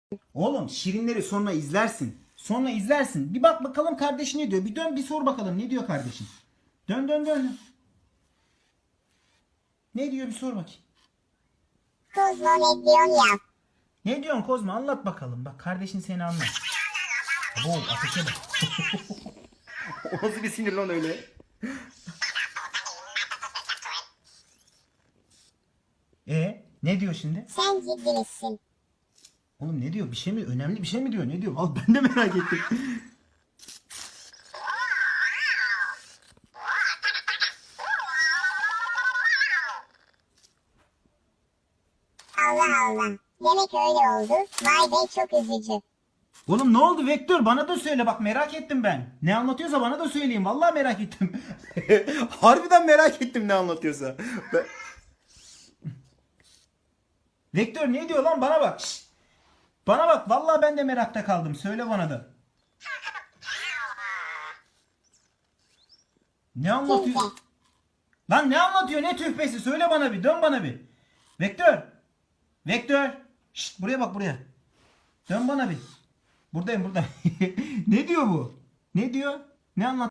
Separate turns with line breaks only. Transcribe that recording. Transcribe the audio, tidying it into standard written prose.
Oğlum şirinleri sonra izlersin. Sonra izlersin. Bir bak bakalım kardeşin ne diyor. Bir dön bir sor bakalım ne diyor kardeşin. Dön dön dön. Ne diyor bir sor bakayım.
Kozmo ne diyorsun ya?
Ne diyorsun Kozma anlat bakalım. Bak kardeşin seni anlat. Abo ateşe bak. O nasıl bir sinir lan öyle? Ne diyor şimdi?
Sen ciddi misin?
Oğlum ne diyor? Bir şey mi? Önemli bir şey mi diyor? Ne diyor? Al ben de merak ettim.
Allah Allah. Demek öyle oldu. Vay be çok üzücü.
Oğlum ne oldu Vektör? Bana da söyle bak merak ettim ben. Ne anlatıyorsa bana da söyleyeyim. Vallahi merak ettim. Harbiden merak ettim ne anlatıyorsa. Vektör ne diyor lan bana bak. Şşt. Bana bak vallahi ben de merakta kaldım. Söyle bana da. Ne anlatıyor?
Kimse.
Lan ne anlatıyor? Ne tühbesi? Söyle bana bir. Dön bana bir. Vektör. Vektör. Şşt, buraya bak buraya. Dön bana bir. Buradayım burada. Ne diyor bu? Ne diyor? Ne anlat?